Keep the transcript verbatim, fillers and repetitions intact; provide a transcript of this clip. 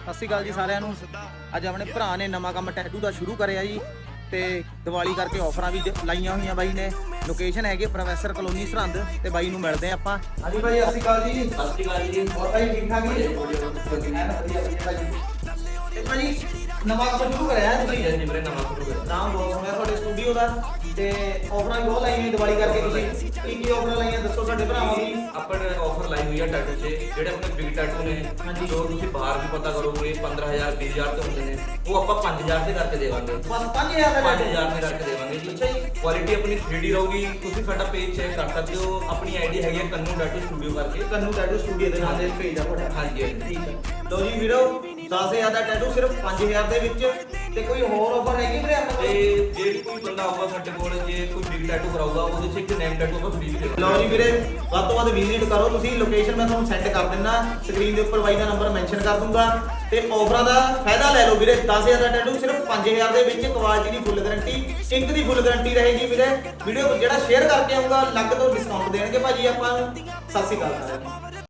ਸਤਿ ਸ਼੍ਰੀ ਅਕਾਲ ਜੀ ਸਾਰਿਆਂ ਨੂੰ। ਅੱਜ ਆਪਣੇ ਭਰਾ ਨੇ ਨਵਾਂ ਕੰਮ ਟੈਟੂ ਦਾ ਸ਼ੁਰੂ ਕਰਿਆ ਜੀ ਤੇ ਦੀਵਾਲੀ ਕਰਕੇ ਆਫਰਾਂ ਵੀ ਜ- ਲਾਈਆਂ ਹੋਈਆਂ ਬਾਈ ਨੇ। ਲੋਕੇਸ਼ਨ ਹੈਗੀ ਪ੍ਰੋਫੈਸਰ ਕਲੋਨੀ ਸਰਹੰਦ ਤੇ ਬਾਈ ਨੂੰ ਮਿਲਦੇ ਆਪਾਂ। ਹਾਂਜੀ ਭਾਈ ਸਤਿ ਸ਼੍ਰੀ ਅਕਾਲ ਜੀ। ਸਤਿ ਸ਼੍ਰੀ ਅਕਾਲ ਜੀ। ਹੋਰ ਭਾਈ ਠੀਕ ਠਾਕ ਜੀ? ਐਨ ਵਧੀਆ ਵਧੀਆ ਭਾਈ। ਤੇ ਭਾਈ ਨਵਾਂ ਕੰਮ ਸ਼ੁਰੂ ਕਰਿਆ ਹੈ ਤੁਸੀਂ? ਜੀ ਮੇਰੇ ਨਵਾਂ ਸ਼ੁਰੂ ਹੋਇਆ। ਨਾਮ ਬਹੁਤ ਸੁਣਿਆ ਤੁਹਾਡੇ ਸਟੂਡੀਓ ਦਾ ਤੇ ਆਫਰਾਂ ਵੀ ਬਹੁਤ ਲਾਈਆਂ ਹੋਈਆਂ ਦੀਵਾਲੀ ਕਰਕੇ। ਤੁਸੀਂ ਕੀ ਕੀ ਆਫਰਾਂ ਲਾਈਆਂ ਦੱਸੋ ਸਾਡੇ ਭਰਾਵਾਂ ਨੂੰ। ਆਪਾਂ ਨੇ ਆਫਰ ਲਾਈ ਹੋਈ ਆ ਟੈਟੂ 'ਚ, ਜਿਹੜੇ ਆਪਣੇ ਬਿਗ ਟੈਟੂ ਨੇ ਹਾਂਜੀ। ਜੋ ਤੁਸੀਂ ਬਾਹਰ ਵੀ ਪਤਾ ਕਰੋਗੇ ਪੰਦਰਾਂ ਹਜ਼ਾਰ ਵੀਹ ਹਜ਼ਾਰ ਤੇ ਹੁੰਦੇ ਨੇ, ਉਹ ਆਪਾਂ ਪੰਜ ਹਜ਼ਾਰ ਤੇ ਕਰਕੇ ਦੇਵਾਂਗੇ। ਬਸ ਪੰਜ ਹਜ਼ਾਰ ਦਾ ਪੰਜ tattoo? ਹਜ਼ਾਰ ਤੇ ਕਰਕੇ ਦੇਵਾਂਗੇ ਜੀ। ਅੱਛਾ ਜੀ। ਕੁਆਲਿਟੀ ਆਪਣੀ ਥ੍ਰੀ ਡੀ ਰਹੂਗੀ। ਤੁਸੀਂ ਸਾਡਾ ਪੇਜ ਚੈੱਕ ਕਰ ਸਕਦੇ ਹੋ। ਆਪਣੀ ਆਈਡੀ ਹੈਗੀ ਹੈ ਕੰਨੂ ਟੈਟੂ ਸਟੂਡੀਓ ਕਰਕੇ। ਕੰਨੂ ਟੈਟੂ ਸਟੂਡੀਓ ਦੇ ਨਾਮ ਦੇ ਪੇਜ ਆ ਤੁਹਾਡਾ। ਹਾਂਜੀ ਹਾਂਜੀ। ਠੀਕ ਹੈ। ਲਓ ਜੀ ਵੀਰੋ ਦਸ ਹਜ਼ਾਰ ਦਾ ਟੈਟੂ ਸਿਰਫ ਪੰਜ ਹਜ਼ਾਰ ਦੇ ਵਿੱਚ। ਤੇ ਕੋਈ ਹੋਰ ਆਫਰ ਹੈਗੀ ਵੀਰੇ ਆਪਣੇ ਤੇ ਕੋਲ? ਜੇ ਕੋਈ ਬੰਦਾ ਆਊਗਾ ਸਾਡੇ ਕੋਲ, ਜੇ ਕੋਈ ਬਿਗ ਟੈਟੂ ਕਰਾਊਗਾ, ਉਹਦੇ 'ਚ ਇੱਕ ਨੇਮ ਟੈਟੂ ਆਪਾਂ ਫ੍ਰੀ ਵੀ ਦੇਵਾਂਗੇ। ਲਓ ਜੀ ਵੀਰੇ ਵੱਧ ਤੋਂ ਵੱਧ ਵਿਜ਼ਿਟ ਕਰੋ ਤੁਸੀਂ। ਲੋਕੇਸ਼ਨ ਮੈਂ ਤੁਹਾਨੂੰ ਸੈਂਡ ਕਰ ਦਿੰਦਾ ਸਕਰੀਨ ਦੇ ਉੱਪਰ, ਬਾਈ ਦਾ ਨੰਬਰ ਮੈਂਸ਼ਨ ਕਰ ਦੂੰਗਾ। ਤੇ ਆਫਰਾਂ ਦਾ ਫਾਇਦਾ ਲੈ ਲਓ ਵੀਰੇ। ਦਸ ਹਜ਼ਾਰ ਦਾ ਟੈਟੂ ਸਿਰਫ ਪੰਜ ਹਜ਼ਾਰ ਦੇ ਵਿੱਚ। ਕੁਆਲਿਟੀ ਦੀ ਫੁੱਲ ਗਾਰੰਟੀ, ਇੰਕ ਦੀ ਫੁੱਲ ਗਾਰੰਟੀ ਰਹੇਗੀ ਵੀਰੇ। ਵੀਡੀਓ ਜਿਹੜਾ ਸ਼ੇਅਰ ਕਰਕੇ ਆਊਗਾ ਅਲੱਗ ਤੋਂ ਡਿਸਕਾਊਂਟ ਦੇਣਗੇ ਭਾਜੀ ਆਪਾਂ ਨੂੰ। ਸਤਿ ਸ਼੍ਰੀ ਅਕਾਲ ਸਾਰਿਆਂ ਨੂੰ।